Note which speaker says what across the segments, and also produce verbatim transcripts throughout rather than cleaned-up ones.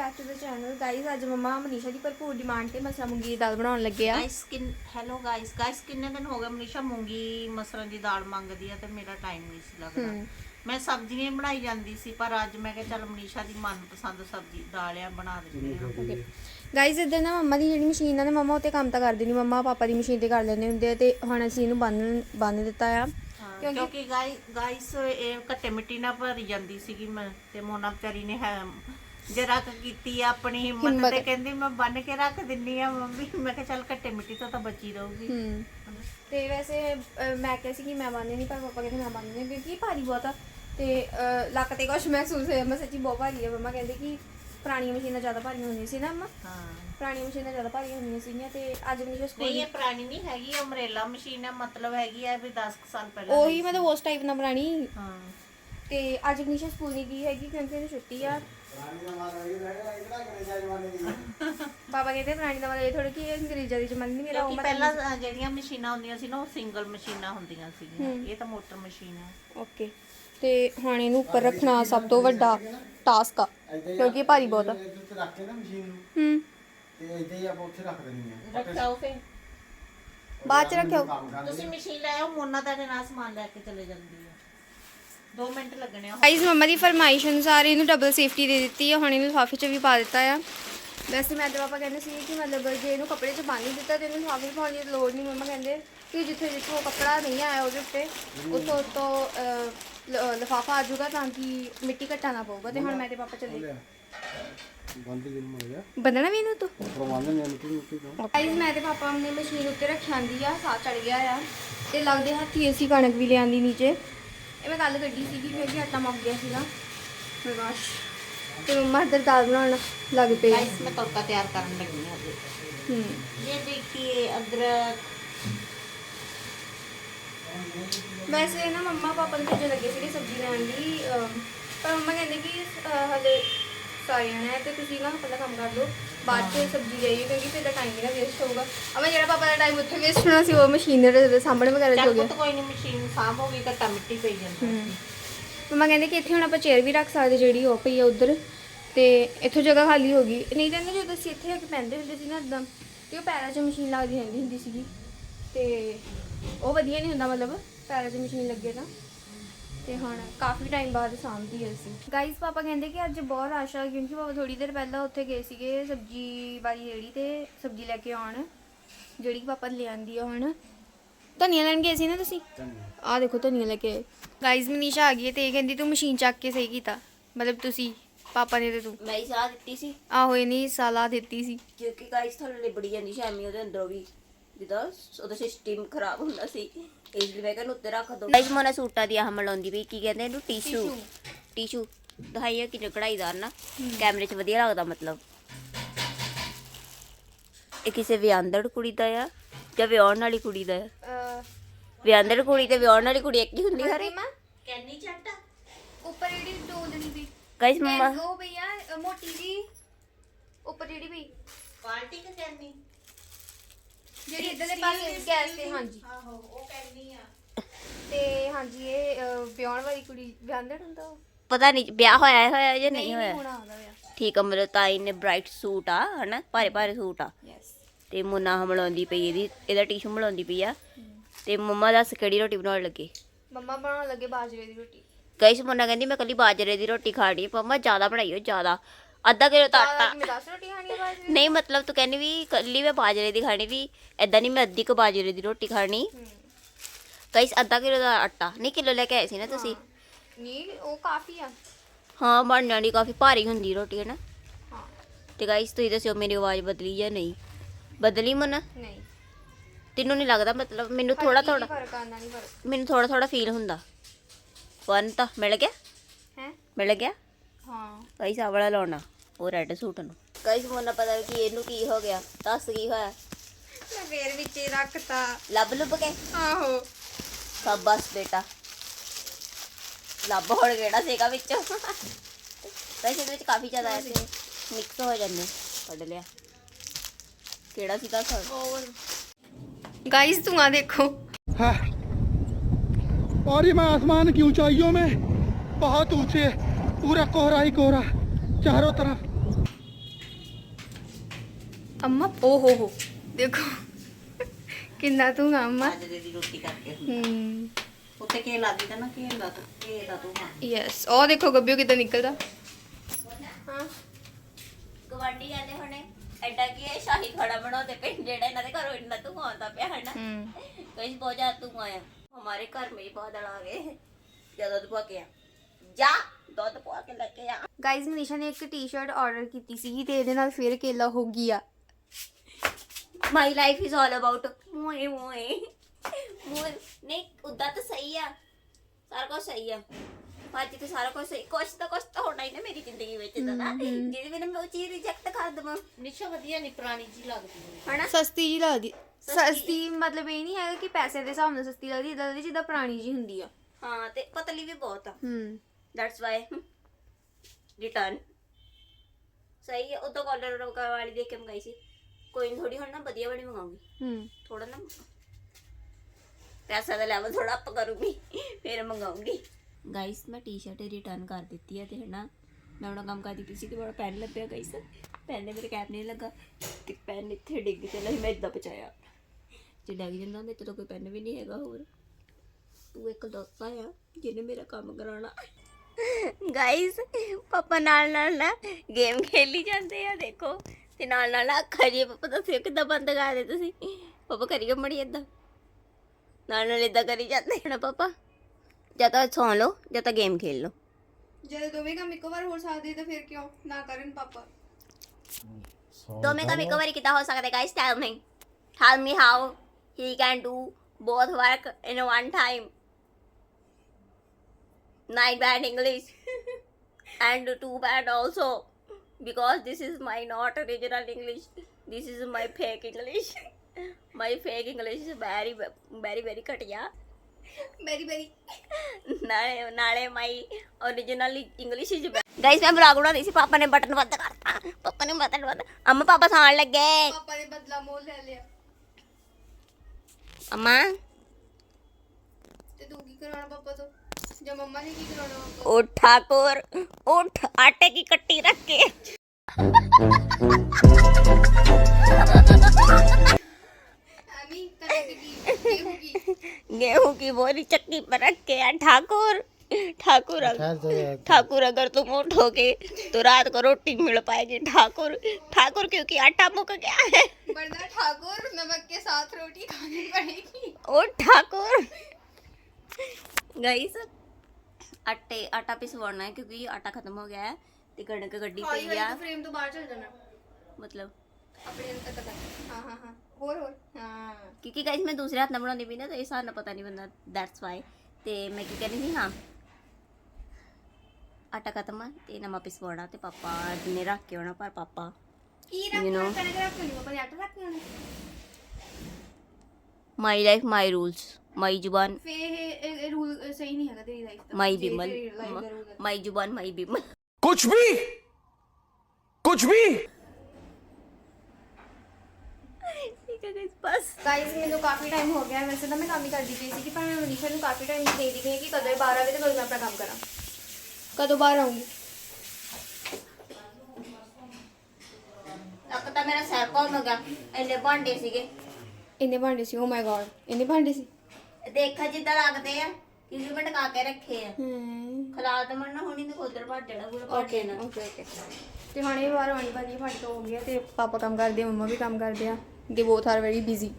Speaker 1: Back to the channel guys. आज mumma Manisha की भरपूर डिमांड ते मसरा मूंगी दी दाल बनाउण लगे आ।
Speaker 2: गाइस किन हेलो गाइस गाइस किन्ने दिन हो गए मनीषा मूंगी मसਰਾਂ ਦੀ ਦਾਲ ਮੰਗਦੀ ਆ ਤੇ ਮੇਰਾ ਟਾਈਮ ਨਹੀਂ ਸੀ ਲੱਗਦਾ। ਮੈਂ ਸਬਜ਼ੀਆਂ ਹੀ ਬਣਾਈ ਜਾਂਦੀ ਸੀ ਪਰ ਅੱਜ ਮੈਂ ਕਿਹਾ ਚੱਲ ਮਨੀਸ਼ਾ ਦੀ ਮਨਪਸੰਦ ਸਬਜ਼ੀ ਦਾਲ ਆ ਬਣਾ ਦਿੰਦੇ ਆ।
Speaker 1: ਗਾਈਸ ਇਦਾਂ ਨਾ ਮੰਮਾ ਦੀ ਜਿਹੜੀ ਮਸ਼ੀਨ ਆ ਨਾ ਮੰਮਾ ਉੱਤੇ ਕੰਮ ਤਾਂ ਕਰਦੇ ਨਹੀਂ, ਮੰਮਾ ਪਾਪਾ ਦੀ ਮਸ਼ੀਨ ਤੇ ਕਰ ਲੈਂਦੇ ਹੁੰਦੇ ਆ ਤੇ ਹੁਣ ਅਸੀਂ ਇਹਨੂੰ ਬੰਨ ਬੰਨ ਦਿੱਤਾ ਆ
Speaker 2: ਕਿਉਂਕਿ ਗਾਈਸ ਇਹ ਘੱਟੇ ਮਿੱਟੀ ਨਾਲ ਭਰੀ ਜਾਂਦੀ ਸੀਗੀ ਮੈਂ ਤੇ ਮੋਨਾ ਵਿਚਾਰੀ ਨੇ ਹੈ ਜੇ ਰੱਖ ਕੀਤੀ ਆਪਣੀ ਹਿੰਮਤ ਤੇ ਕਹਿੰਦੀ ਮੈਂ ਬੰਨ ਕੇ ਰੱਖ ਦਿੰਨੀ ਆ ਮੰਮੀ। ਮੈਂ ਕਿਹਾ ਚੱਲ ਘੱਟੇ ਮਿੱਟੀ ਤੋਂ ਤਾਂ ਬਚੀ ਰਹੂਗੀ।
Speaker 1: ਤੇ ਵੈਸੇ ਮੈਂ ਕਿਹਾ ਸੀ ਕਿ ਮੈਂ ਬੰਨ੍ਹਦੀ ਨਹੀਂ ਪਰ ਪਾਪਾ ਕਹਿੰਦੇ ਮੈਂ ਬੰਨ੍ਹਦੀ ਕਿਉਂਕਿ ਭਾਰੀ ਬਹੁਤ ਆ ਤੇ ਲੱਕ ਤੇ ਕੁਛ ਮਹਿਸੂਸ ਹੋਇਆ। ਮੈਂ ਸੱਚੀ ਬਹੁਤ ਭਾਰੀ ਆ। ਮੰਮਾ ਕਹਿੰਦੇ ਕਿ ਪੁਰਾਣੀਆਂ ਮਸ਼ੀਨਾਂ ਜ਼ਿਆਦਾ ਭਾਰੀਆਂ ਹੁੰਦੀਆਂ ਸੀ ਨਾ ਮੰਮਾ। ਹਾਂ ਪੁਰਾਣੀਆਂ ਮਸ਼ੀਨਾਂ ਜ਼ਿਆਦਾ ਭਾਰੀਆਂ ਹੁੰਦੀਆਂ ਸੀਗੀਆਂ ਤੇ ਅੱਜ ਮਨੀਸ਼ਾ ਸਕੂਲ
Speaker 2: ਨਹੀਂ ਇਹ ਪੁਰਾਣੀ ਨਹੀਂ ਹੈਗੀ, ਅਮਰੇਲਾ ਮਸ਼ੀਨ ਹੈ, ਮਤਲਬ ਹੈਗੀ ਆ ਵੀ ਦਸ ਸਾਲ ਪਹਿਲਾਂ
Speaker 1: ਉਹੀ ਮਤਲਬ ਉਸ ਟਾਈਪ ਨਾਲ ਪੁਰਾਣੀ।
Speaker 2: ਹਾਂ
Speaker 1: ਤੇ ਅੱਜ ਮਨੀਸ਼ਾ ਸਕੂਲ ਨਹੀਂ ਗਈ ਹੈਗੀ ਕਿਉਂਕਿ ਇਹਨੂੰ ਛੁੱਟੀ ਆ। ਬਾਬਾ ਕਹਿੰਦੇ ਪੁਰਾਣੀ ਦਾ ਮਤਲਬ ਇਹ ਥੋੜਾ ਕਿ ਅੰਗਰੇਜ਼ਾਂ ਦੀ ਜ਼ਮਾਨੇ ਨਹੀਂ ਮੇਰਾ ਉਹ
Speaker 2: ਪਹਿਲਾਂ ਜਿਹੜੀਆਂ ਮਸ਼ੀਨਾਂ ਹੁੰਦੀਆਂ ਸੀ ਨਾ ਉਹ ਸਿੰਗਲ ਮਸ਼ੀਨਾਂ ਹੁੰਦੀਆਂ ਸੀਗੀਆਂ, ਇਹ ਤਾਂ ਮੋਟਰ ਮਸ਼ੀਨ ਹੈ।
Speaker 1: ਓਕੇ ਤੇ ਹੁਣ ਇਹਨੂੰ ਉੱਪਰ ਰੱਖਣਾ ਸਭ ਤੋਂ ਵੱਡਾ ਟਾਸਕ ਆ ਕਿਉਂਕਿ ਭਾਰੀ ਬਹੁਤ ਆ।
Speaker 3: ਰੱਖ ਕੇ ਨਾ ਮਸ਼ੀਨ ਨੂੰ
Speaker 1: ਹੂੰ
Speaker 3: ਤੇ ਇਦਾਂ ਹੀ ਆਪਾਂ ਉੱਥੇ ਰੱਖ ਦੇਣੀ ਆ।
Speaker 2: ਰੱਖਾਓ ਫੇ
Speaker 1: ਬਾਅਦ ਚ ਰੱਖਿਓ।
Speaker 2: ਤੁਸੀਂ ਮਸ਼ੀਨ ਲੈ ਆਓ, ਮੋਨਾ ਤੁਹਾਡੇ ਨਾਲ ਸਮਾਨ ਲੈ ਕੇ ਚਲੇ ਜਾਂਦੀ ਆ। ਦੋ ਮਿੰਟ ਲੱਗਣੇ ਆ।
Speaker 1: ਗਾਈਸ ਮੰਮਾ ਦੀ ਫਰਮਾਇਸ਼ ਅਨੁਸਾਰ ਇਹਨੂੰ ਡਬਲ ਸੇਫਟੀ ਦੇ ਦਿੱਤੀ ਆ। ਹੁਣ ਇਹਨੂੰ ਲਿਫਾਫੇ 'ਚ ਵੀ ਪਾ ਦਿੱਤਾ ਆ। ਵੈਸੇ ਮੈਂ ਤੇ ਪਾਪਾ ਕਹਿੰਦੇ ਸੀ ਕਿ ਮਤਲਬ ਜੇ ਇਹਨੂੰ ਕੱਪੜੇ 'ਚ ਬੰਨ੍ਹ ਦਿੱਤਾ ਤੇ ਇਹਨੂੰ ਲਿਫਾਫੇ 'ਚ ਪਾਉਣ ਦੀ ਲੋੜ ਨਹੀਂ। ਮੰਮਾ ਕਹਿੰਦੇ ਕਿ ਜਿੱਥੇ ਜਿੱਥੋਂ ਉਹ ਕੱਪੜਾ ਨਹੀਂ ਆਇਆ ਉਹਦੇ ਉੱਤੇ ਉੱਥੋਂ ਉੱਤੋਂ ਲਿਫਾਫਾ ਆ ਜਾਊਗਾ ਤਾਂ ਕਿ ਮਿੱਟੀ ਘੱਟਾ ਨਾ ਪਊਗਾ। ਤੇ ਹੁਣ ਮੈਂ ਤੇ ਪਾਪਾ ਚੱਲੇ
Speaker 3: ਬੰਦ ਦਿਨ ਹੋ ਗਿਆ
Speaker 1: ਬੰਨਣਾ ਵੀ ਇਹਨੂੰ ਤੋਂ
Speaker 3: ਪ੍ਰਬੰਧ ਨੇ ਮਿੱਟੀ ਮਿੱਟੀ ਤੋਂ।
Speaker 1: ਗਾਈਸ ਮੈਂ ਤੇ ਪਾਪਾ ਨੇ ਮਸ਼ੀਨ ਉੱਤੇ ਰੱਖੀ ਆਂਦੀ ਆ, ਸਾਹ ਚੜ ਗਿਆ ਆ ਤੇ ਲੱਗਦੇ ਹੱਥੀ ਅਸੀਂ ਕਣਕ ਵੀ ਲਿਆਂਦੀ ਨੀਚੇ। ਇਹ ਮੈਂ ਕੱਲ ਕੱਢੀ ਸੀਗੀ ਕਿਉਂਕਿ ਆਟਾ ਮੁੱਕ ਗਿਆ ਸੀਗਾ। ਬਰਗਾਸ਼ ਤੇ ਮੰਮਾ ਇੱਧਰ ਦਾਲ ਬਣਾਉਣ ਲੱਗ ਪਏ।
Speaker 2: ਗਾइस मैं तड़का तैयार करने लगी हूं अभी।
Speaker 1: हम्म
Speaker 2: ये देखिए अदरक।
Speaker 1: ਵੈਸੇ ਨਾ ਮੰਮਾ ਪਾਪਾ ਨੂੰ ਭੇਜਣ ਲੱਗੇ ਸੀਗੇ ਸਬਜ਼ੀ ਲੈਣ ਲਈ ਪਰ ਮੰਮਾ ਕਹਿੰਦੇ ਕਿ ਹਲੇ ਸਾਰਿਆਂ ਨੇ ਤੇ ਤੁਸੀਂ ਨਾ ਪਹਿਲਾਂ ਕੰਮ ਕਰ ਲਓ ਬਾਅਦ ਚ ਸਬਜ਼ੀ ਜਾਈਏ ਕਿਉਂਕਿ ਫਿਰ ਦਾ ਟਾਈਮ ਨਾ ਵੇਸਟ ਹੋਊਗਾ। ਅਮਾ ਜਿਹੜਾ ਪਾਪਾ ਦਾ ਟਾਈਮ ਉੱਥੇ ਵੇਸਟ ਹੋਣਾ ਸੀ ਉਹ ਮਸ਼ੀਨ ਦੇ ਸਾਹਮਣੇ ਵਗੈਰਾ ਹੋ ਗਿਆ।
Speaker 2: ਚੱਲ ਕੋਈ ਨਹੀਂ ਮਸ਼ੀਨ ਸਾਂਭ ਹੋ ਗਈ ਘੱਟਾ ਮਿੱਟੀ ਪਈ ਜਾਂਦੀ।
Speaker 1: ਮੰਮਾ ਕਹਿੰਦੇ ਕਿ ਇੱਥੇ ਹੁਣ ਆਪਾਂ ਚੇਅਰ ਵੀ ਰੱਖ ਸਕਦੇ ਜਿਹੜੀ ਉਹ ਪਈ ਆ ਉੱਧਰ ਤੇ ਇੱਥੋਂ ਜਗ੍ਹਾ ਖਾਲੀ ਹੋ ਗਈ। ਨਹੀਂ ਤਾਂ ਜਦੋਂ ਅਸੀਂ ਇੱਥੇ ਆ ਕੇ ਪੈਂਦੇ ਹੁੰਦੇ ਸੀ ਨਾ ਇੱਦਾਂ ਤੇ ਉਹ ਪੈਰਾਂ 'ਚ ਮਸ਼ੀਨ ਲੱਗਦੀ ਰਹਿੰਦੀ ਹੁੰਦੀ ਸੀਗੀ ਤੇ ਉਹ ਵਧੀਆ ਨਹੀਂ ਹੁੰਦਾ ਮਤਲਬ ਪੈਰਾਂ 'ਚ ਮਸ਼ੀਨ ਲੱਗੇ ਤਾਂ। ਤੇ ਹੁਣ ਕਾਫੀ ਟਾਈਮ ਬਾਅਦ ਸਾਂਭਦੀ ਅਸੀਂ। ਗਾਈਸ ਪਾਪਾ ਕਹਿੰਦੇ ਕਿ ਅੱਜ ਬਹੁਤ ਰਸ਼ ਆ ਕਿਉਂਕਿ ਪਾਪਾ ਥੋੜੀ ਦੇਰ ਪਹਿਲਾਂ ਉੱਥੇ ਗਏ ਸੀਗੇ ਸਬਜ਼ੀ ਵਾਲੀ ਰੇਹੜੀ ਤੇ ਸਬਜ਼ੀ ਲੈ ਕੇ ਆਉਣ ਜਿਹੜੀ ਪਾਪਾ ਲੈ ਆਂਦੀ ਆ। ਹੁਣ ਧਨੀਆ ਲੈਣ ਗਏ ਸੀ ਨਾ ਤੁਸੀਂ? ਆਹ ਦੇਖੋ ਧਨੀਆ ਲੈ ਕੇ ਆਏ। ਗਾਈਸ ਮਨੀਸ਼ਾ ਆ ਗਈ ਹੈ ਤੇ ਇਹ ਕਹਿੰਦੀ ਤੂੰ ਮਸ਼ੀਨ ਚੱਕ ਕੇ ਸਹੀ ਕੀਤਾ ਮਤਲਬ ਤੁਸੀਂ ਪਾਪਾ ਨੇ ਤੇ ਤੂੰ।
Speaker 4: ਮੈਂ ਹੀ ਸਲਾਹ ਦਿੱਤੀ ਸੀ
Speaker 1: ਆਹੋ ਇਹਨੇ ਸਲਾਹ ਦਿੱਤੀ ਸੀ
Speaker 4: ਕਿਉਂਕਿ ਗਾਈਸ ਥੱਲੇ ਲਿਬੜੀ ਜਾਂਦੀ ਸ਼ਾਮੀ ਉਹਦੇ ਅੰਦਰੋਂ ਵੀ ਜਿੱਦਾਂ ਉਹਦਾ ਸਿਸਟਮ ਖਰਾਬ ਹੁੰਦਾ ਸੀ ਇਸ ਲਈ ਮੈਂ ਕਹਿੰਦਾ ਉੱਤੇ ਰੱਖ ਦੋ। ਗਾਈਸ ਮੋਨਾ ਸੂਟਾਂ ਦੀ ਆਹ ਮਲਾਉਂਦੀ ਵੀ ਕੀ ਕਹਿੰਦੇ ਇਹਨੂੰ ਟਿਸ਼ੂ ਟਿਸ਼ੂ ਦਿਖਾਈਏ ਕਿ ਕਢਾਈਦਾਰ ਨਾ ਕੈਮਰੇ 'ਚ ਵਧੀਆ ਲੱਗਦਾ। ਮਤਲਬ ਇਹ ਕਿਸੇ ਵਿਆਹੰਦੜ ਕੁੜੀ ਦਾ ਆ ਜਾਂ ਵਿਆਹਣ ਵਾਲੀ ਕੁੜੀ ਦਾ ਆ? ਵਿਆਹੰਦੜ ਕੁੜੀ ਤੇ ਵਿਆਹਣ ਵਾਲੀ ਕੁੜੀ ਇੱਕ ਹੀ ਹੁੰਦੀ ਹਰੇ
Speaker 2: ਕੈਨੀ ਚੱਟਾ
Speaker 1: ਉੱਪਰ ਜਿਹੜੀ ਡੋਲਣੀ ਵੀ
Speaker 4: ਗਾਈਸ ਮੰਮਾ
Speaker 1: ਉਹ ਭਈਆ ਮੋਟੀ ਜੀ ਉੱਪਰ ਜਿਹੜੀ ਵੀ
Speaker 2: ਪਾਰਟੀ ਕਿ ਕੈਨੀ
Speaker 1: ਜਿਹੜੀ ਇੱਧਰ ਦੇ ਪਾਸੇ ਗੈਸ ਤੇ। ਹਾਂਜੀ
Speaker 2: ਆਹੋ ਉਹ ਕੈਨੀ ਆ।
Speaker 1: ਤੇ ਹਾਂਜੀ ਇਹ ਵਿਆਹਣ ਵਾਲੀ ਕੁੜੀ ਵਿਆਹੰਦੜ ਹੁੰਦਾ ਉਹ
Speaker 4: ਪਤਾ ਨਹੀਂ ਵਿਆਹ ਹੋਇਆ ਹੋਇਆ ਜਾਂ ਨਹੀਂ
Speaker 1: ਹੋਣਾ
Speaker 4: ਹੋਇਆ।
Speaker 1: ਉਹਦਾ ਵਿਆਹ।
Speaker 4: ਠੀਕ ਆ ਮਤਲਬ ਤਾਈ ਨੇ ਬ੍ਰਾਈਟ ਸੂਟ ਆ ਹਨਾ ਭਾਰੇ ਭਾਰੇ ਸੂਟ ਆ
Speaker 1: ਯੈਸ
Speaker 4: ਤੇ ਮੁੰਨਾ ਮਲਾਉਂਦੀ ਪਈ ਇਹਦੀ ਇਹਦਾ ਟਿਸ਼ੂ ਮਲਾਉਂਦੀ ਪਈ ਆ। ਤੇ ਮੰਮਾ ਦੱਸ ਕਿਹੜੀ ਰੋਟੀ ਬਣਾਉਣ ਲੱਗੇ?
Speaker 1: ਮੰਮਾ ਬਣਾਉਣ ਲੱਗੇ ਬਾਜਰੇ ਦੀ ਰੋਟੀ।
Speaker 4: ਗਾਈਸ ਮੁੰਨਾ ਕਹਿੰਦੀ ਮੈਂ ਕੱਲੀ ਬਾਜਰੇ ਦੀ ਰੋਟੀ ਖਾਣੀ। ਮੰਮਾ ਜ਼ਿਆਦਾ ਬਣਾਈਓ ਜ਼ਿਆਦਾ ਅੱਧਾ ਕਿਲੋ ਤਾਂ ਆਟਾ।
Speaker 1: ਮੈਂ ਦਸ ਰੋਟੀ ਖਾਣੀ ਹੈ ਬਾਜਰੇ
Speaker 4: ਨਹੀਂ ਮਤਲਬ ਤੂੰ ਕਹਿੰਦੀ ਵੀ ਕੱਲੀ ਮੈਂ ਬਾਜਰੇ ਦੀ ਖਾਣੀ ਵੀ ਐਦਾਂ ਨਹੀਂ ਮੈਂ ਅੱਧੀ ਕੁ ਬਾਜਰੇ ਦੀ ਰੋਟੀ ਖਾਣੀ। ਗਾਈਸ ਅੱਧਾ ਕਿਲੋ ਦਾ ਆਟਾ ਨਹੀਂ ਕਿਲੋ ਲੈ ਕੇ ਆਏ ਸੀ ਨਾ ਤੁਸੀਂ?
Speaker 1: ਨਹੀਂ ਉਹ ਕਾਫੀ ਆ। ਹਾਂ
Speaker 4: ਬਣ ਜਾਣੀ ਕਾਫੀ ਭਾਰੀ ਹੁੰਦੀ ਰੋਟੀ ਹੈ ਨਾ।
Speaker 1: ਹਾਂ
Speaker 4: ਤੇ ਗਾਈਸ ਤੁਸੀਂ ਦੱਸਿਓ ਮੇਰੀ ਆਵਾਜ਼ ਬਦਲੀ ਜਾਂ ਨਹੀਂ ਬਦਲੀ ਮੁੰਨਾ?
Speaker 1: ਨਹੀਂ
Speaker 4: ਤੈਨੂੰ ਨਹੀਂ ਲੱਗਦਾ? ਮਤਲਬ ਮੈਨੂੰ ਥੋੜਾ ਥੋੜਾ
Speaker 1: ਫਰਕ ਆਉਂਦਾ ਨਹੀਂ ਫਰਕ
Speaker 4: ਮੈਨੂੰ ਥੋੜਾ ਥੋੜਾ ਫੀਲ ਹੁੰਦਾ। ਫਨ ਤਾਂ ਮਿਲ ਗਿਆ
Speaker 1: ਹੈ।
Speaker 4: ਮਿਲ ਗਿਆ।
Speaker 1: ਹਾਂ
Speaker 4: ਗਾਈਸ ਆ ਵਾਲਾ ਲਾਉਣਾ ਉਹ ਰੈੱਡ ਸੂਟ ਨੂੰ। ਗਾਈਸ ਮੈਨੂੰ ਪਤਾ ਕਿ ਇਹਨੂੰ ਕੀ ਹੋ ਗਿਆ। ਦੱਸ ਕੀ ਹੋਇਆ?
Speaker 1: ਮੈਂ ਫੇਰ ਵਿੱਚ ਹੀ ਰੱਖਤਾ
Speaker 4: ਲੱਭ ਲੁੱਭ ਕੇ।
Speaker 1: ਆਹੋ
Speaker 4: ਬਸ ਬੇਟਾ ਲੱਭ ਹੁਣ ਕਿਹੜਾ ਸੀਗਾ ਵਿੱਚੋਂ। ਵੈਸੇ ਇਹਦੇ ਵਿੱਚ ਕਾਫੀ ਜ਼ਿਆਦਾ ਐਸੇ ਮਿਕਸ ਹੋ ਜਾਂਦੇ। ਕੱਢ ਲਿਆ ਕਿਹੜਾ ਸੀਗਾ ਸਰ?
Speaker 1: गाइस धुआं देखो।
Speaker 3: हाँ। और ये मैं आसमान की ऊंचाइयों में बहुत ऊंचे पूरा कोहरा ही कोहरा चारों तरफ।
Speaker 1: ਅੰਮਾ ਓ ਹੋ ਹੋ ਦੇਖੋ ਕਿੰਨਾ ਤੂੰ ਅੰਮਾ
Speaker 2: ਅੱਜ ਦੀ ਰੋਟੀ ਕਰਕੇ
Speaker 1: ਹੂੰ
Speaker 2: ਉੱਤੇ ਕੇ ਲਾ ਦਿੱਤਾ ਨਾ ਕੇ ਲਾ ਤਾ ਕੇ ਲਾ ਤੂੰ
Speaker 1: ਯੈਸ ਉਹ ਦੇਖੋ ਗੱਬਿਓ ਕਿੱਦਾਂ ਨਿਕਲਦਾ ਹਾਂ
Speaker 4: ਗਵਾਂਢੀ ਕਹਿੰਦੇ ਹੁਣੇ ਐਡਾ ਕੀ ਹੈ ਸ਼ਾਹੀ ਖਾਣਾ ਬਣਾਉਂਦੇ ਪਏ ਜਿਹੜਾ ਇਹਨਾਂ ਦੇ ਘਰੋਂ ਇੰਨਾ ਧੂੰਆਂ ਆਉਂਦਾ ਪਿਆ ਹੈ ਨਾ
Speaker 1: ਹੂੰ
Speaker 4: कहीं बहुत ज्यादा धुआं आया हमारे घर में ही बादल आ गए जा दूध पा के आ जा दूध पा के लेके आ
Speaker 1: ਗਾਇਜ਼ ਮਨੀਸ਼ਾ ਨੇ ਇੱਕ ਟੀ-ਸ਼ਰਟ ਆਰਡਰ ਕੀਤੀ ਸੀ ਤੇ ਇਹਦੇ ਨਾਲ ਫਿਰ ਕੇਲਾ ਹੋ ਗਿਆ
Speaker 4: my life is all about मोए मोए मोए नहीं उदा तो सही है सारा कुछ सही है बाकी तो सारा कुछ सही कुछ तो कुछ तो होना ही ना मेरी जिंदगी में तो ना जिस मैंने मैं वो चीज रिजेक्ट कर दूँ
Speaker 2: ਨਿਸ਼ਾ ਵਧੀਆ ਨਹੀਂ ਪੁਰਾਣੀ ਜੀ ਲੱਗਦੀ
Speaker 4: है ना
Speaker 1: ਸਸਤੀ ਜੀ ਲੱਗਦੀ ਸਸਤੀ ਮਤਲਬ ਇਹ ਨਹੀਂ ਹੈਗਾ ਕਿ ਪੈਸੇ ਦੇ ਹਿਸਾਬ ਨਾਲ ਸਸਤੀ ਲੱਗਦੀ ਇਦਾਂ ਦੀ ਜਿੱਦਾਂ ਪੁਰਾਣੀ ਜੀ ਹੁੰਦੀ ਆ
Speaker 4: हाँ ते पतली भी बहुत है
Speaker 1: ਹੂੰ
Speaker 4: दैट्स व्हाई रिटर्न सही है उतो कॉलर वाली देख के मंगाई सी कोई थोड़ी ਹੁਣ ਨਾ ਵਧੀਆ ਵਾਲੀ ਮੰਗਾਉਂਗੀ
Speaker 1: ਹੂੰ
Speaker 4: ਥੋੜਾ ਨਾ ਪੈਸਾ ਦਾ ਲੈਵਲ ਥੋੜਾ ਅਪ ਕਰੂੰਗੀ ਫਿਰ ਮੰਗਾਉਂਗੀ ਗਾਇਸ ਮੈਂ ਟੀ-ਸ਼ਰਟ ਰਿਟਰਨ ਕਰ ਦਿੱਤੀ ਹੈ ਤੇ ਹਨਾ ਮੈਂ ਆਪਣਾ ਕੰਮ ਕਰ ਦਿੱਤੀ ਸੀ ਤੇ ਬੜਾ ਪੈਨ ਲੱਭਿਆ ਗਾਇਸ ਪੈਨ ਨੇ ਮੇਰੇ ਕੈਪ ਨਹੀਂ ਲੱਗਾ ਤੇ ਪੈਨ ਇੱਥੇ ਡਿੱਗ ਚੱਲਾ ਸੀ ਮੈਂ ਇਦਾਂ ਬਚਾਇਆ ਜੇ ਲੱਗ ਜਾਂਦਾ ਹੁੰਦਾ ਤੇ ਕੋਈ ਪੈਨ ਵੀ ਨਹੀਂ ਹੈਗਾ ਹੋਰ ਤੂੰ ਇੱਕ ਦੋਸਤ ਆ ਜਿਹਨੇ ਮੇਰਾ ਕੰਮ ਕਰਾਉਣਾ ਗਾਇਸ ਪਾਪਾ ਨਾਲ ਨਾਲ ਨਾ ਗੇਮ ਖੇਲੀ ਜਾਂਦੇ ਆ ਦੇਖੋ ਤੇ ਨਾਲ ਨਾਲ ਅੱਖਾਂ ਜੀ ਪਾਪਾ ਦੱਸਿਓ ਕਿੱਦਾਂ ਬੰਦ ਕਰ ਦੇ ਤੁਸੀਂ ਪਾਪਾ ਕਰੀਓ ਮੜੀ ਏਦਾਂ ਨਾਲ ਨਾਲ ਏਦਾਂ ਕਰੀ ਜਾਂਦੇ ਨਾ ਪਾਪਾ ਜਾਂ ਤਾਂ ਸੌਂ ਲਓ ਜਾਂ ਤਾਂ ਗੇਮ ਖੇਲ ਲਓ
Speaker 1: ਜਦੋਂ ਦੋਵੇਂ ਕੰਮ ਇੱਕੋ ਵਾਰ ਹੋ ਸਕਦੇ ਤਾਂ ਫਿਰ ਕਿਉਂ ਨਾ ਕਰਨ ਪਾਪਾ
Speaker 4: ਦੋਵੇਂ ਕੰਮ ਇੱਕ ਵਾਰੀ ਕਿੱਦਾਂ ਹੋ ਸਕਦਾ guys tell me tell me how he can do both work in one time not bad English and too bad also because this is my not original English this is my fake English my fake English is very very very ਘਟੀਆ
Speaker 1: ਮੇਰੀ ਮੇਰੀ
Speaker 4: ਨਾਲੇ ਨਾਲੇ my original English is guys ਮੈਂ vlog ਬਣਾਉਂਦੀ ਸੀ ਪਾਪਾ ਨੇ button ਬੰਦ ਕਰਤਾ ਪਾਪਾ ਨੇ ਬਟਨ ਬੰਦ ਅੰਮਾ ਪਾਪਾ ਸੌਣ ਲੱਗੇ
Speaker 1: ਪਾਪਾ ਨੇ ਬਦਲਾ ਮੋਲ ਲੈ ਲਿਆ
Speaker 4: ਅੰਮਾ
Speaker 1: ਤੇ ਤੂੰ ਕੀ ਕਰਾਉਣਾ ਪਾਪਾ ਤੋਂ ਜਾਂ ਮੰਮਾ ਨੇ ਕੀ ਕਰਾਉਣਾ ਪਾਪਾ
Speaker 4: उठ ठाकुर उठ आटे की कट्टी रख के
Speaker 1: ਐਵੇਂ ਕਰੇ ਤੇ ਕੀ ਕੀ ਹੋਗੀ
Speaker 4: गेहूं की बोरी चक्की पर रख के आ ठाकुर ठाकुर अगर ठाकुर अगर तुम उठोगे तो रात को रोटी मिल पाएगी ठाकुर ठाकुर क्योंकि आटा मुक गया है
Speaker 1: वरना ठाकुर नमक के साथ रोटी खानी पड़ेगी
Speaker 4: ओ ठाकुर गाइस आटे आटा पिसवाना है क्योंकि आटा खत्म हो गया है ते कणक गड्डी
Speaker 1: ਹੌਲੀ
Speaker 4: पई
Speaker 1: ਹੌਲੀ
Speaker 4: आ
Speaker 1: ਤੂੰ ਫਰੇਮ ਤੋਂ ਬਾਹਰ ਚਲ ਜਾਣਾ
Speaker 4: मतलब
Speaker 1: ਆਪਣੇ ਅੰਦਰ ਤੱਕ ਹਾਂ ਹਾਂ ਹਾਂ ਹੋਰ ਹੋਰ ਹਾਂ
Speaker 4: क्योंकि गाइस मैं दूसरे हाथ ना बनानी भी ना तो इस हाथ ना पता नहीं बनता दैट्स वाई ते मैं की कहनी थी हाँ आटा खत्म है ते नवा पिसवाना ते पापा ने रख के आना पर पापा
Speaker 1: ਕੀ
Speaker 4: You
Speaker 1: ਰੱਖਣਾ
Speaker 4: know.
Speaker 1: ਕਣਕ ਰੱਖਣੀ ਪਾਪਾ ਨੇ ਆਟਾ ਰੱਖਣਾ
Speaker 4: my life my rules my जुबान
Speaker 1: ਫੇ ਇਹ ਇਹ ਰੂਲ ਸਹੀ ਨਹੀਂ ਹੈਗਾ ਤੇਰੀ ਲਾਈਫ ਦਾ
Speaker 4: माई
Speaker 1: ਜੇ
Speaker 4: बिमल
Speaker 1: ਤੇਰੀ life ਦਾ rule ਹੈ।
Speaker 4: माई जुबान माई बिमल
Speaker 5: कुछ भी कुछ भी
Speaker 4: ठीक है गाइस बस
Speaker 1: ਗਾਇਸ ਮੈਨੂੰ ਕਾਫੀ ਟਾਈਮ ਹੋ ਗਿਆ ਵੈਸੇ ਤਾਂ ਮੈਂ ਕੰਮ ਹੀ ਕਰਦੀ ਪਈ ਸੀ ਕਿ ਪਰ ਮੈਂ ਮਨੀਸ਼ਾ ਨੂੰ ਕਾਫੀ ਟਾਈਮ ਦੇ ਦੀ ਗਈ ਕਿ ਕਦੋਂ ਇਹ ਬਾਹਰ ਆਵੇ ਤੇ ਕਦੋਂ ਮੈਂ ਆਪਣਾ ਕੰਮ ਕਰਾਂ ਕਦੋਂ ਬਾਹਰ ਆਉਂਗੀ
Speaker 4: अब तो मेरा सर कौन हो गया इन्ने भांडे सीगे
Speaker 1: ਇੰਨੇ ਭਾਂਡੇ ਸੀ ਓ ਮਾਈ ਗॉड ਇੰਨੇ ਭਾਂਡੇ ਸੀ
Speaker 4: देखा जिद्दां लगदे आ किसी में टका के रखे आ
Speaker 1: ਹੂੰ
Speaker 4: खलाल तो मन हुणी ते उधर भट जाना पूरा भांडे ना
Speaker 1: ਓਕੇ ਓਕੇ ਤੇ ਹੁਣ ਇਹ ਬਾਹਰ ਆਉਣੀ ਭਾਜੀ ਸਾਡੇ ਤੋਂ ਹੋ ਗਿਆ ਤੇ ਪਾਪਾ ਕੰਮ ਕਰਦੇ ਆ ਮੰਮਾ ਵੀ ਕੰਮ ਕਰਦੇ ਆ ਦੇ ਬੋਥ ਆਰ ਵੈਰੀ ਬਿਜ਼ੀ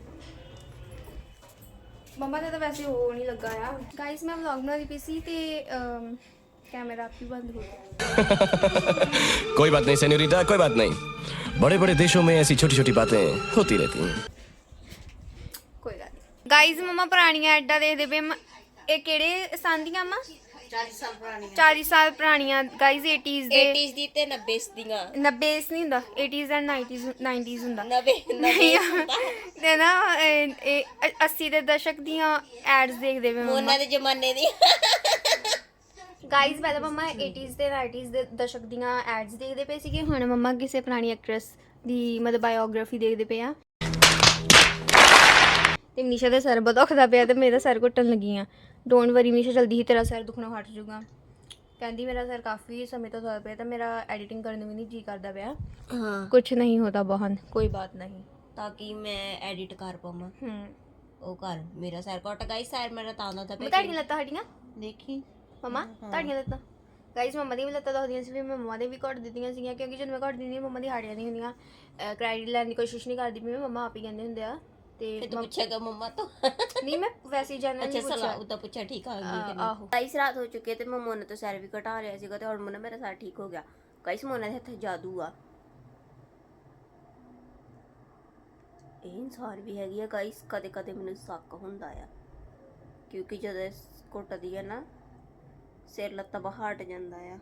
Speaker 1: ਮੰਮਾ ਦਾ ਤਾਂ ਵੈਸੇ ਹੋ ਨਹੀਂ ਲੱਗਾ ਆ ਗਾਇਸ ਮੈਂ ਵਲੌਗ ਬਣਾਉਂਦੀ ਪਈ ਸੀ ਤੇ ਕੈਮਰਾ ਆਪ ਹੀ ਬੰਦ ਹੋ ਗਿਆ
Speaker 5: कोई बात नहीं सेन्योरिटा कोई बात नहीं बड़े बड़े देशों में ऐसी छोटी छोटी बातें होती रहती हैं
Speaker 1: ਕੋਈ ਗੱਲ ਨਹੀਂ ਗਾਇਸ ਮੰਮਾ ਪੁਰਾਣੀਆਂ ਐਡਾਂ ਦੇਖਦੇ ਪਏ ਮ- ਇਹ ਕਿਹੜੇ ਸਾਲ ਦੀਆਂ ਮਾਂ
Speaker 2: ਚਾਲੀ ਸਾਲ ਪੁਰਾਣੀ
Speaker 1: ਚਾਲੀ ਸਾਲ ਪੁਰਾਣੀਆਂ ਗਾਇਸ ਏਟੀਜ਼ ਦੇ
Speaker 4: एटीज़ दी ते नब्बेस दियां
Speaker 1: ਨੱਬੇ ਨਹੀਂ ਹੁੰਦਾ ਏਟੀਜ਼ ਐਂਡ ਨਾਈਨਟੀਜ਼ ਨਾਈਨਟੀਜ਼ ਹੁੰਦਾ
Speaker 4: नब्बे
Speaker 1: ਨਹੀਂ
Speaker 4: नब्बे
Speaker 1: ਤੇ ਨਾ ਇਹ ਇਹ ਅੱਸੀ ਦੇ ਦਸ਼ਕ ਦੀਆਂ ਐਡਸ ਦੇਖਦੇ ਪਏ ਮੰਮਾ
Speaker 4: ਉਹਨਾਂ ਦੇ ਜ਼ਮਾਨੇ ਦੀ
Speaker 1: ਗਾਇਸ ਪਹਿਲਾਂ ਮੰਮਾ ਏਟੀਜ਼ ਤੇ ਨਾਈਨਟੀਜ਼ ਦੇ ਦਸ਼ਕ ਦੀਆਂ ਐਡਸ ਦੇਖਦੇ ਪਏ ਸੀਗੇ ਹੁਣ ਮੰਮਾ ਕਿਸੇ ਪੁਰਾਣੀ ਐਕਟਰੈਸ ਦੀ ਮਤਲਬ ਬਾਇਓਗ੍ਰਾਫੀ ਦੇਖਦੇ ਪਏ ਆ ਤੇ ਮਨੀਸ਼ਾ ਦਾ ਸਿਰ ਬਹੁਤ ਦੁਖਦਾ ਪਿਆ ਤੇ ਮੇਰਾ ਸਿਰ ਘੁੱਟਣ ਲੱਗੀ ਆ ਡੋਂਟ ਵਰੀ ਮਨੀਸ਼ਾ ਜਲਦੀ ਹੀ ਤੇਰਾ ਸਿਰ ਦੁਖਣਾ ਹਟ ਜਾਊਗਾ ਕਹਿੰਦੀ ਮੇਰਾ ਸਿਰ ਕਾਫੀ ਸਮੇਂ ਤੋਂ ਦਰਦ ਪਿਆ ਤਾਂ ਮੇਰਾ ਐਡੀਟਿੰਗ ਕਰਨ ਨੂੰ ਵੀ ਨਹੀਂ ਜੀ ਕਰਦਾ ਪਿਆ।
Speaker 4: हाँ
Speaker 1: ਕੁਛ ਨਹੀਂ ਹੋਤਾ ਬਹਨ, ਕੋਈ ਬਾਤ ਨਹੀਂ।
Speaker 4: ताकि मैं एडिट कर पावां
Speaker 1: ਹੂੰ
Speaker 4: ਉਹ ਕਰ ਮੇਰਾ ਸਿਰ ਘਟ ਗਾਈ ਸਿਰ ਮੇਰਾ ਤਾਂ ਦਾ ਤਾਂ
Speaker 1: ਤੁਹਾਡੀਆਂ ਲੱਤਾਂ ਹਟੀਆਂ
Speaker 4: ਦੇਖੀ
Speaker 1: ਮਮਾ? ਤੁਹਾਡੀਆਂ ਲੱਤਾਂ ਗਾਈਸ ਮੰਮਾ ਦੀਆਂ ਵੀ ਲੱਤਾਂ ਦੁਖਦੀਆਂ ਸੀ ਵੀ ਮੈਂ ਮੰਮਾ ਦੇ ਵੀ ਘੱਟ ਦਿੱਤੀਆਂ ਸੀਗੀਆਂ ਕਿਉਂਕਿ ਜਦੋਂ ਮੈਂ ਘੱਟ ਦਿੰਦੀ ਹਾਂ ਮੰਮਾ ਦੀ ਹਾੜੀਆਂ ਨਹੀਂ ਹੁੰਦੀਆਂ। ਕ੍ਰੈਡਿਟ ਲੈਣ ਦੀ ਕੋਸ਼ਿਸ਼ ਨਹੀਂ ਕਰਦੀ ਵੀ ਮੰਮਾ ਆਪ ਹੀ ਕਹਿੰਦੇ ਹੁੰਦੇ ਆ ਤੇ
Speaker 4: ਫਿਰ ਤੂੰ ਪੁੱਛੇਗਾ ਮੰਮਾ ਤੋਂ
Speaker 1: ਨਹੀਂ ਮੈਂ ਵੈਸੇ ਹੀ ਜਾਣਨ
Speaker 4: ਅੱਛਾ
Speaker 1: ਨਹੀਂ
Speaker 4: ਸਲਾਹ
Speaker 1: ਪੁੱਛਿਆ।
Speaker 4: ਉਹਦਾ ਪੁੱਛਿਆ ਠੀਕ ਆ ਗਈ ਕਿ ਨਹੀਂ
Speaker 1: ਆਹੋ
Speaker 4: ਗਾਈਸ ਰਾਤ ਹੋ ਚੁੱਕੀ ਹੈ ਤੇ ਮੈਂ ਮੋਨਾ ਤੋਂ ਸਿਰ ਵੀ ਘਟਾ ਲਿਆ ਸੀਗਾ ਤੇ ਹੁਣ ਮੋਨਾ ਮੇਰਾ ਸਿਰ ਠੀਕ ਹੋ ਗਿਆ। ਗਾਈਸ ਮੋਨਾ ਦੇ ਹੱਥ ਜਾਦੂ ਆ। ਇਹ ਇਨਸਾਨ ਵੀ ਹੈਗੀ ਆ ਗਾਈਸ, ਕਦੇ ਕਦੇ ਮੈਨੂੰ ਸ਼ੱਕ ਹੁੰਦਾ ਆ ਕਿਉਂਕਿ ਜਦੋਂ ਘੁੱਟਦੀ ਆ ਨਾ ਸਿਰ ਲੱਤਾਂ ਬਾਹਰ ਹਟ ਜਾਂਦਾ ਆ।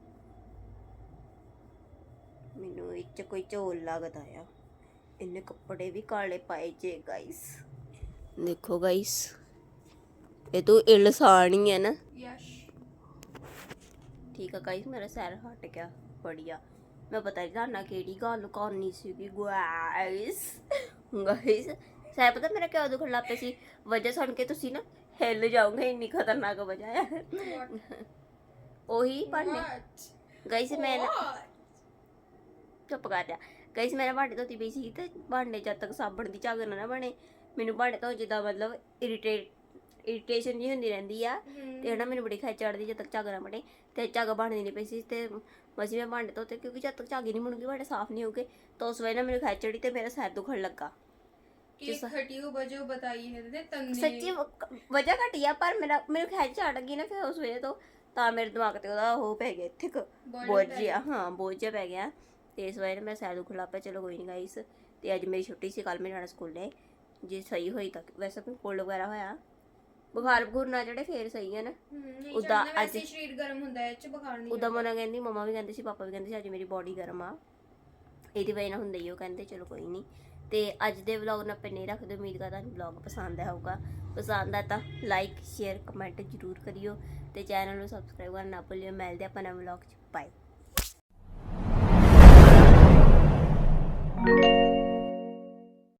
Speaker 4: ਮੈਨੂੰ ਇਹ 'ਚ ਕੋਈ ਝੋਲ ਲੱਗਦਾ ਆ। ਇਹਨੇ ਕੱਪੜੇ ਵੀ ਕਾਲੇ ਪਾਏ ਜੇ ਗਾਈਸ। ਦੇਖੋ ਗਾਈਸ ਇਹ ਤੋਂ ਇਲਸਾਨ ਹੀ ਹੈ ਨਾ।
Speaker 1: ਯਸ਼
Speaker 4: ਠੀਕ ਆ ਗਾਈਸ ਮੇਰਾ ਸਿਰ ਹਟ ਗਿਆ ਬੜੀਆ। ਮੈਂ ਪਤਾ ਨਹੀਂ ਤੁਹਾਨੂੰ ਕਿਹੜੀ ਗੱਲ ਕਰਨੀ ਸੀਗੀ ਗਾਈਸ। ਗਾਈਸ ਸਿਰ ਪਤਾ ਮੇਰਾ ਕਿਉਂ ਦੁਖਣ ਲੱਗ ਪਿਆ ਸੀ? ਵਜ੍ਹਾ ਸੁਣ ਕੇ ਤੁਸੀਂ ਨਾ ਹਿੱਲ ਜਾਓਗੇ, ਇੰਨੀ ਖਤਰਨਾਕ ਵਜ੍ਹਾ ਹੈ। ਉਹੀ ਭਾਂਡੇ ਗਾਈਸ ਮੈਂ ਨਾ ਚੁੱਪ ਕਰ ਜਾ ਗਾਈਸ ਮੈਂ ਨਾ ਭਾਂਡੇ ਧੋਤੀ ਪਈ ਸੀ ਤੇ ਭਾਂਡੇ ਜਦ ਤੱਕ ਸਾਬਣ ਦੀ ਝੱਗ ਨਾ ਨਾ ਬਣੇ ਮੈਨੂੰ ਭਾਂਡੇ ਧੋ ਜਿੱਦਾਂ ਮਤਲਬ ਇਰੀਟੇਟ ਇਰੀਟੇਸ਼ਨ ਜੀ ਹੁੰਦੀ ਰਹਿੰਦੀ ਆ ਤੇ ਹਨਾ ਮੈਨੂੰ ਬੜੀ ਖਿੱਚ ਚੜਦੀ ਜਦ ਤੱਕ ਝੱਗ ਨਾ ਬਣੇ ਤੇ ਝੱਗ ਬਣਦੀ ਨਹੀਂ ਪਈ ਸੀ ਤੇ ਮਸੀਂ ਮੈਂ ਭਾਂਡੇ ਧੋਤੇ ਕਿਉਂਕਿ ਜਦ ਤੱਕ ਝੱਗ ਹੀ ਨਹੀਂ ਬਣੂਗੀ ਭਾਂਡੇ ਸਾਫ਼ ਨਹੀਂ ਹੋਗੇ ਤਾਂ ਉਸ ਵੇਲੇ ਨਾ ਮੈਨੂੰ ਖਿੱਚ ਚੜੀ ਤੇ ਮੇਰਾ ਸਿਰ ਦੁਖਣ ਲੱਗਾ।
Speaker 1: कि घटी हो वजह बताई है दे तन्ने
Speaker 4: ਸੱਚੀ ਵਜ੍ਹਾ ਘਟੀ ਆ ਪਰ ਮੇਰਾ ਮੈਨੂੰ ਖਿੱਚ ਚੜ ਗਈ ਨਾ ਫਿਰ ਉਸ ਵੇਲੇ ਤੋਂ ਤਾਂ ਮੇਰੇ ਦਿਮਾਗ ਤੇ ਉਹਦਾ ਉਹ ਪੈ ਗਿਆ ਇੱਥੇ ਬੋਝ ਜਿਹਾ। ਹਾਂ ਬੋਝ ਜਿਹਾ ਪੈ ਗਿਆ ਤੇ ਇਸ ਵਜ੍ਹਾ ਨਾਲ ਮੈਂ ਸਿਰ ਦੁਖਣ ਲੱਗ ਪਿਆ। ਚਲੋ ਕੋਈ ਨਹੀਂ ਗਾਈਸ ਤੇ ਅੱਜ ਮੇਰੀ ਛੁੱਟੀ ਸੀ, ਕੱਲ ਮੈਂ ਜਾਣਾ ਸਕੂਲੇ ਜੇ ਸਹੀ ਹੋਈ ਤਾਂ ਵੈਸੇ ਕੋਈ ਕੋਲਡ ਵਗੈਰਾ ਹੋਇਆ ਬੁਖਾਰ ਬਖੂਰ ਨਾ ਜਿਹੜੇ ਫੇਰ ਸਹੀ ਹੈ ਨਾ। ਉਦਾਂ ਅੱਜ
Speaker 1: शरीर गर्म ਹੁੰਦਾ ਹੈ ਚ ਬੁਖਾਰ ਨਹੀਂ
Speaker 4: ਉਦਾਂ ਮਨਾ ਕਹਿੰਦੀ ਮੰਮਾ ਵੀ ਕਹਿੰਦੇ ਸੀ ਪਾਪਾ ਵੀ ਕਹਿੰਦੇ ਸੀ ਅੱਜ ਮੇਰੀ ਬੋਡੀ ਗਰਮ ਆ ਇਹਦੀ ਵਜ੍ਹਾ ਨਾਲ ਹੁੰਦਾ ਹੀ ਉਹ ਕਹਿੰਦੇ ਚਲੋ ਕੋਈ ਨਹੀਂ। ਤੇ ਅੱਜ ਦੇ ਵਲੌਗ ਨੂੰ ਆਪਾਂ ਨਹੀਂ ਰੱਖਦੇ। ਉਮੀਦ ਕਰਦਾ ਤੁਹਾਨੂੰ ਵਲੌਗ ਪਸੰਦ ਆਇਆ ਹੋਊਗਾ। ਪਸੰਦ ਆ ਤਾਂ ਲਾਈਕ ਸ਼ੇਅਰ ਕਮੈਂਟ ਜ਼ਰੂਰ ਕਰਿਓ ਤੇ ਚੈਨਲ ਨੂੰ ਸਬਸਕ੍ਰਾਈਬ ਕਰਨਾ ਨਾ ਭੁੱਲਿਓ। ਮਿਲਦੇ ਆਪਾਂ ਨਵੇਂ ਵਲੌਗ 'ਚ। ਬਾਏ।